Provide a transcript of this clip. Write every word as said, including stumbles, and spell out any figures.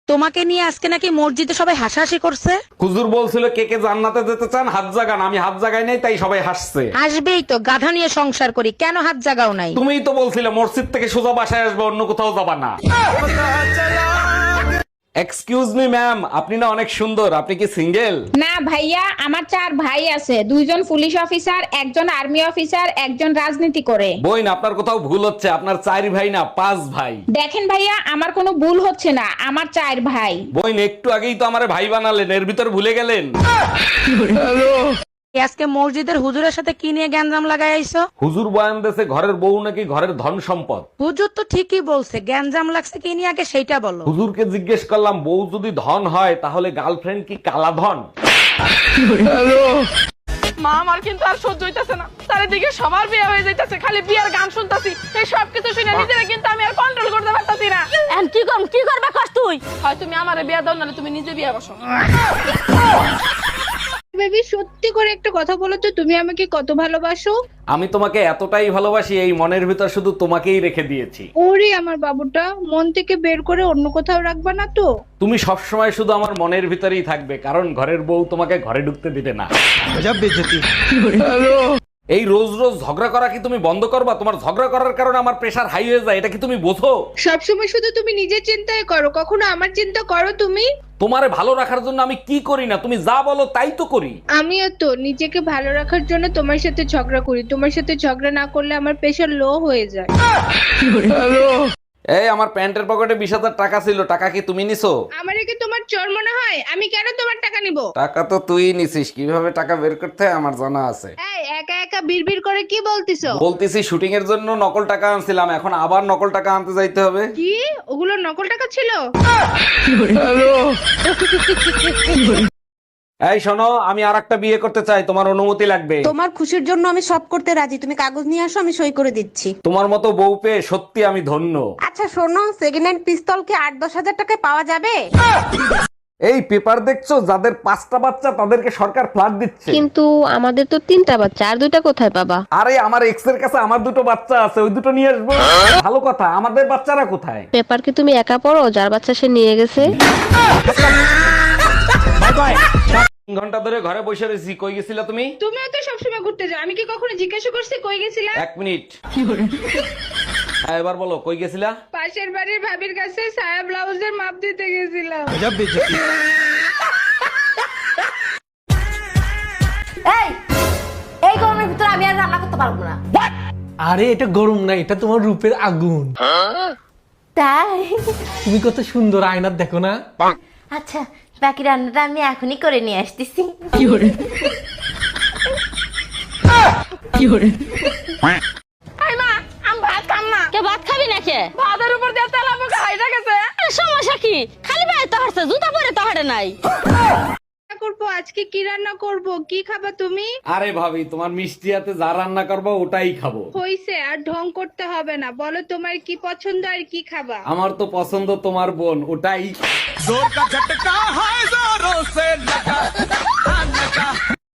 তোমাকে নিয়ে আজকে নাকি মসজিদে সবাই হাসাহাসি করছে। হুজুর বলছিল কে কে জান্নাতে যেতে চান হাত জাগান, আমি হাত জাগাই নাই তাই সবাই হাসছে। আসবেই তো, গাধা নিয়ে সংসার করি, কেন হাত জাগাও নাই? তুমিই তো বলছিলে মসজিদ থেকে সোজা বাসায় আসবে, অন্য কোথাও যাবা না। এক্সকিউজ মি ম্যাম, আপনি না অনেক সুন্দর, আপনি কি সিঙ্গেল? না ভাইয়া, আমার চার ভাই আছে, দুইজন পুলিশ অফিসার, একজন আর্মি অফিসার, একজন রাজনীতি করে। বইন আপনার কোথাও ভুল হচ্ছে, আপনার চার ভাই না পাঁচ ভাই। দেখেন ভাইয়া, আমার কোনো ভুল হচ্ছে না, আমার চার ভাই। বইন একটু আগেই তো আমারে ভাই বানালেন, এর ভিতর ভুলে গেলেন। আজকে মসজিদের হুজুরের সাথে কি নিয়ে গ্যাঞ্জাম লাগাই আইছো? হুজুর বয়ান দেশে ঘরের বউ নাকি ঘরের ধন সম্পদ। হুজুর তো ঠিকই বলছে, গ্যাঞ্জাম লাগছে কি নিয়ে আগে সেইটা বলো। হুজুরকে জিজ্ঞেস করলাম বউ যদি ধন হয় তাহলে গার্লফ্রেন্ড কি কালা ধন? মা আমার কিন্তু আর সহ্য হইতাছে না, চারিদিকে সবার বিয়ে হয়ে যাইতাছে, খালি বিয়ের গান শুনতাছি। এই সব কিছু শুনে নিজেরা কিন্তু আমি আর কন্ট্রোল করতে পারতাছি না। এখন কি করব, কি করবা কস তুই? হয় তুমি আমারে বিয়ে দাও, নাহলে তুমি নিজে বিয়ে বসো। বেবি, সত্যি করে একটা কথা বলো তো, তুমি আমাকে কত ভালোবাসো? আমি তোমাকে এতটাই ভালোবাসি এই মনের ভিতর শুধু তোমাকেই রেখে দিয়েছি। ওরে আমার বাবুটা, মন থেকে বের করে অন্য কোথাও রাখবা না তো? তুমি সবসময় শুধু আমার মনের ভিতরেই থাকবে, কারণ ঘরের বউ তোমাকে ঘরে ঢুকতে দিবে না। এই রোজ রোজ ঝগড়া করা কি তুমি বন্ধ করবা? তোমার ঝগড়া করার কারণে আমার প্রেশার হাই হয়ে যায়, এটা কি তুমি বোঝো? সবসময় শুধু তুমি নিজের চিন্তাই করো, কখনো আমার চিন্তা করো তুমি? তোমারে ভালো রাখার জন্য আমি কি করি না, তুমি যা বলো তাই তো করি। আমিও তো নিজেকে ভালো রাখার জন্য তোমার সাথে ঝগড়া করি, তোমার সাথে ঝগড়া না করলে আমার প্রেশার লো হয়ে যায়। এই আমার প্যান্টের পকেটে বিশ হাজার টাকা ছিল, টাকা কি তুমি নিছো? আমার কি তোমার চোর মনে হয়? আমি কেন তোমার টাকা নিব? টাকা তো তুই নিছিস, কিভাবে টাকা বের করতে হয় আমার জানা আছে। এই একা একা বিড়বিড় করে কি বলতিছো? বলতেছি শুটিং এর জন্য নকল টাকা আনছিলাম, এখন আবার নকল টাকা আনতে যাইতে হবে। কি ওগুলো নকল টাকা ছিল? এই শোনো, আমি আর একটা বিয়ে করতে চাই, তোমার অনুমতি লাগবে। তোমার খুশির জন্য আমি সব করতে রাজি, তুমি কাগজ নিয়ে আসো, আমি সই করে দিচ্ছি। তোমার মতো বউ পেয়ে সত্যি আমি ধন্য। আচ্ছা শোনো, সেকেন্ড হ্যান্ড পিস্তল কি আট দশ হাজার টাকায় পাওয়া যাবে? এই পেপার দেখছো, যাদের পাঁচটা বাচ্চা তাদেরকে সরকার ফ্ল্যাট দিচ্ছে। কিন্তু আমাদের তো তিনটা বাচ্চা, আর দুইটা কোথায় পাবা? আরে আমার এক্স এর কাছে আমার দুটো বাচ্চা আছে, ওই দুটো নিয়ে আসবো। ভালো কথা, আমাদের বাচ্চারা কোথায়? পেপার কি তুমি একা পড়ো? যার বাচ্চা সে নিয়ে গেছে। তিন ঘন্টা ধরে ঘরে বসে রয়েছি, কই গেছিলা তুমি? তুমিও তো সবসময় ঘুরতে যাও, আমি কি কখনো জিজ্ঞাসা করছি কই গেছিলা? এক মিনিট। হ্যাঁ এবার বলো, কই গেছিলা? পাশের বাড়ির ভাবির কাছে সায়া ব্লাউজের মাপ দিতে গেছিলাম। এই এই গরমের ভিতরে আমি আর রান্না করতে পারবো না। আরে এটা গরম না, এটা তোমার রূপের আগুন। তাই? তুমি কত সুন্দর, আয়নার দেখো না। আচ্ছা, বাকি রান্নাটা আমি এখনই করে নিয়ে আসতেছি। এই মা, আমি ভাত খাম না। কে ভাত খাবি না কে? ভাতের উপর দিয়ে তেল আবু খাইটা গেছে। সমস্যা কি? খালি ভাই তো হারছে, জুতা পরে তো হারে নাই। রান্না করবো আজকে, কি রান্না করব? কি খাবা তুমি? আরে ভাবি, তোমার মিষ্টি হাতে যা রান্না করবো ওটাই খাবো। হইছে, আর ঢং করতে হবে না, বলো তোমার কি পছন্দ আর কি খাবা? আমার তো পছন্দ তোমার বোন, ওটাই।